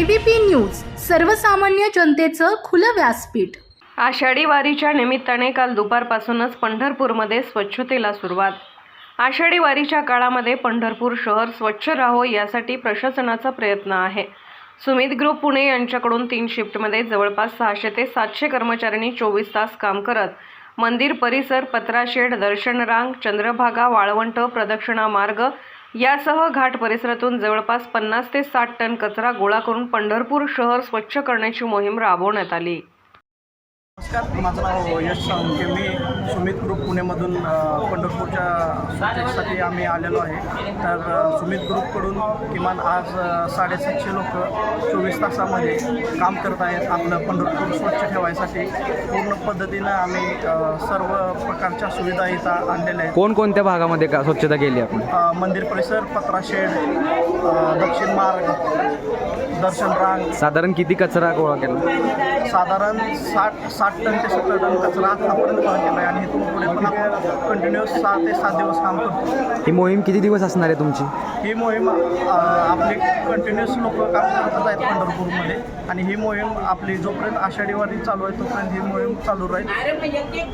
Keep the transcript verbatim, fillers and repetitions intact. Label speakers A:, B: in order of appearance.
A: ABP news, सर्वसामान्य जनतेचं खुलं व्यासपीठ।
B: आषाढी वारीच्या निमित्ताने काल दुपारपासूनच पंढरपूरमध्ये स्वच्छतेला सुरुवात। आषाढी वारीच्या काळामध्ये पंढरपूर शहर स्वच्छ राहो यासाठी प्रशासनाचा प्रयत्न आहे। सुमित ग्रुप पुणे यांच्याकडून तीन शिफ्टमध्ये जवळपास सहाशे ते सातशे कर्मचाऱ्यांनी चोवीस तास काम करत मंदिर परिसर, पत्राशेड, दर्शन रांग, चंद्रभागा, वाळवंट, प्रदक्षिणा मार्ग यासह घाट परिसरातून जवळपास पन्नास ते साठ टन कचरा गोळा करून पंढरपूर शहर स्वच्छ करण्याची मोहीम राबवण्यात आली।
C: नमस्कार, माझं नाव यश साळुंखे। मी सुमित ग्रुप पुणेमधून पंढरपूरच्या स्वच्छतेसाठी आम्ही आलेलो आहे। तर सुमित ग्रुपकडून किमान आज साडेसातशे लोक चोवीस तासामध्ये काम करत आहेत आपलं पंढरपूर स्वच्छ ठेवायसाठी। पूर्ण पद्धतीनं आम्ही सर्व प्रकारच्या सुविधा इथं आणलेल्या आहेत।
D: कोणकोणत्या भागामध्ये का स्वच्छता केली आपण?
C: मंदिर परिसर, पत्राशेड, दक्षिण मार्ग, दर्शन रांग।
D: साधारण किती कचरा गोळा केला?
C: साधारण साठ साठ टन ते सत्तर टन कचरा आतापर्यंत गोळा केला आहे आणि इथून पुढे पण आपण कंटिन्युअस सहा ते सात दिवस काम करतो।
D: ही मोहीम किती दिवस असणार आहे तुमची?
C: ही मोहीम आपली कंटिन्युअस लोक काम करतच आहेत पंढरपूरमध्ये आणि ही मोहीम आपली जोपर्यंत आषाढी वारी चालू आहे तोपर्यंत ही मोहीम चालू राहील।